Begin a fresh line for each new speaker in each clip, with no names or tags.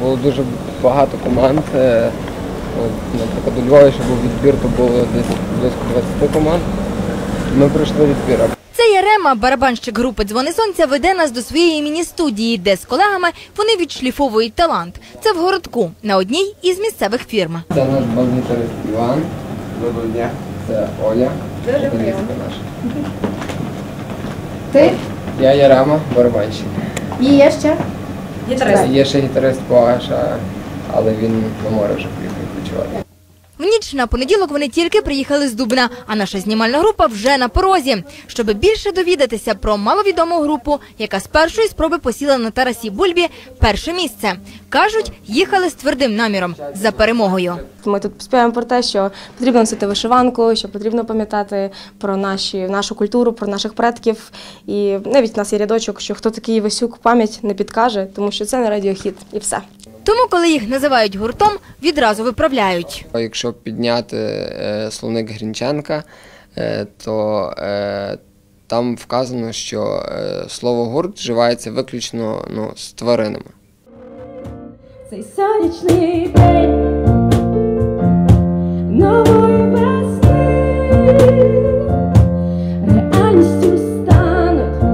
було дуже багато команд. Наприклад, у Львові, що був відбір, то було десь близько 20 команд. Ми пройшли відбір.
Це Ярема, барабанщик групи «Дзвони сонця», веде нас до своєї міні-студії, де з колегами вони відшліфовують талант. Це в городку, на одній із місцевих фірм.
Це наш бас-гітарист Іван. Доброго дня. Це Оля.
Дуже приємно.
Наша.
Ти?
Я Ярема, барабанщик.
І є ще?
Є ще гітарист Паша, але він на море вже приїхав відпочивати.
В ніч на понеділок вони тільки приїхали з Дубна, а наша знімальна група вже на порозі. Щоб більше довідатися про маловідому групу, яка з першої спроби посіла на Тарасі Бульбі перше місце. Кажуть, їхали з твердим наміром – за перемогою.
Ми тут співаємо про те, що потрібно носити вишиванку, що потрібно пам'ятати про нашу культуру, про наших предків. І навіть в нас є рядочок, що хто такий Івасюк, пам'ять не підкаже, тому що це не радіохіт і все.
Тому, коли їх називають гуртом, відразу виправляють.
Якщо підняти словник Грінченка, то там вказано, що слово «гурт» вживається виключно з тваринами.
Цей сонячний день нової весни реальністю стануть.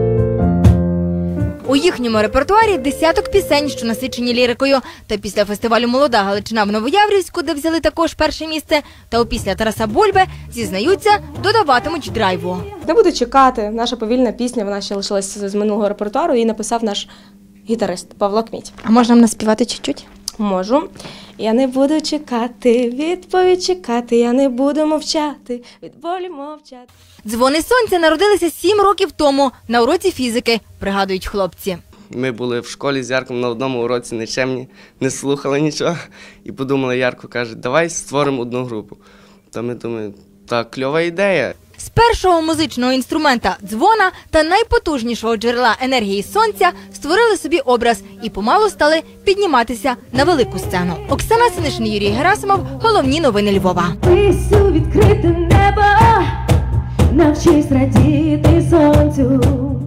У їхньому репертуарі десяток пісень, що насичені лірикою. Та після фестивалю «Молода Галичина» в Новояврівську, де взяли також перше місце, та опісля Тараса Бульби, зізнаються, додаватимуть драйву.
Не буду чекати, наша повільна пісня, вона ще лишилася з минулого репертуару, її написав наш гітарист Павло Кміть.
А можна нам наспівати чуть-чуть?
Можу. Я не буду чекати, відповідь чекати, я не буду мовчати, від болі мовчати.
«Дзвони сонця» народилися 7 років тому на уроці фізики, пригадують хлопці.
Ми були в школі з Ярком на одному уроці нечемні, не слухали нічого. І подумали, Ярко каже, давай створимо одну групу. То ми думаємо, так, кльова ідея.
З першого музичного інструмента – дзвона та найпотужнішого джерела енергії сонця створили собі образ і помалу стали підніматися на велику сцену. Оксана Синишин, Юрій Герасимов. Головні новини Львова.
Висю відкрите небо, навчись радіти сонцю.